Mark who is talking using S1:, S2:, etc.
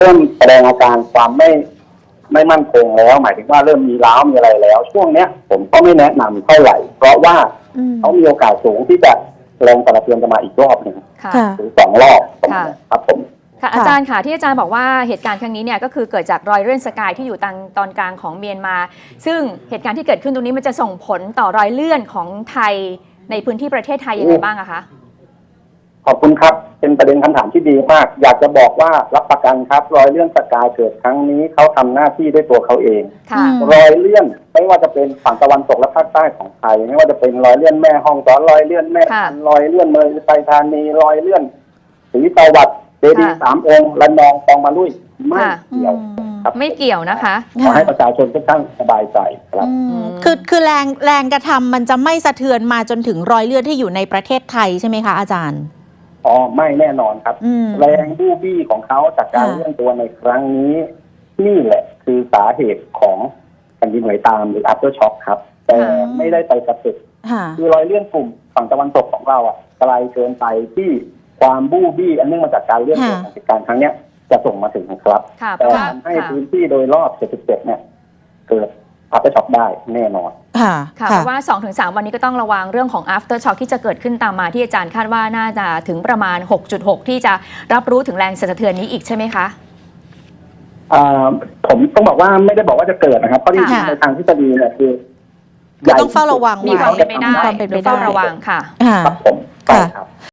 S1: เริ่มแสดงอาการความไม่มั่นคงแล้วหมายถึงว่าเริ่มมีร้าวมีอะไรแล้วช่วงเนี้ยผมก็ไม่แนะนำเท่าไหร่เพราะว่าเขามีโอกาสสูงที่จะแรงกระเทือนจะมาอีกรอบหนึ่งหรือ2 รอบครับผม
S2: ค่ะอาจารย์ค่ะที่อาจารย์บอกว่าเหตุการณ์ครั้งนี้เนี่ยก็คือเกิดจากรอยเลื่อนสกายที่อยู่ตอนกลางของเมียนมาซึ่งเหตุการณ์ที่เกิดขึ้นตรงนี้มันจะส่งผลต่อรอยเลื่อนของไทยในพื้นที่ประเทศไทยยังไงบ้างอะคะ
S1: ขอบคุณครับเป็นประเด็นคำถามที่ดีมากอยากจะบอกว่ารับประกันครับรอยเลื่อนสกายเกิดครั้งนี้เขาทำหน้าที่ด้วยตัวเขาเองรอยเลื่อนไม่ว่าจะเป็นฝั่งตะวันตกและภาคใต้ของไทยไม่ว่าจะเป็นรอยเลื่อนแม่ฮ่องสอนรอยเลื่อนแม่รอยเลื่อนเมยไทยธานีรอยเลื่อนศรีสวัสดิ์เจดีย์3 องค์ระนองตองมาลุยไม่เกี่ยวครับ
S2: ไม่เกี่ยวนะคะ
S1: ขอให้ประชาชนทุกท่านสบายใจครับ
S3: คือแรงกระทำมันจะไม่สะเทือนมาจนถึงรอยเลื่อนที่อยู่ในประเทศไทยใช่ไหมคะอาจารย์
S1: อ๋อไม่แน่นอนครับแรงบู้บี้ของเขาจากการเลื่อนตัวในครั้งนี้นี่แหละคือสาเหตุของแผ่นดินไหวตามหรือ after shock ครับแต่ไม่ได้ไปกระตุกคือรอยเลื่อนกลุ่มฝั่งตะวันตกของเราไกลเกินไปที่ความบู้บี้อันเนื่องมาจากการเลื่อนตัวของเหตุการณ์ครั้งนี้จะส่งมาถึงครับแต่ทำให้พื้นที่โดยรอบ77เนี่ยเกิดafter shock ได้แน่นอน
S2: ค่ะเพราะว่า 2-3 วันนี้ก็ต้องระวังเรื่องของ after shock ที่จะเกิดขึ้นตามมาที่อาจารย์คาดว่าน่าจะถึงประมาณ 6.6 ที่จะรับรู้ถึงแรงสั่นสะเทือนนี้อีกใช่ไหมคะ
S1: ผมต้องบอกว่าไม่ได้บอกว่าจะเกิดนะครับเพราะจริงๆในทางทฤษฎีเนี่ยคือ
S3: ต้องเฝ้าระวัง
S2: มีความเป็นไปได้เฝ้าระวังค่ะ
S1: ครับผมครับ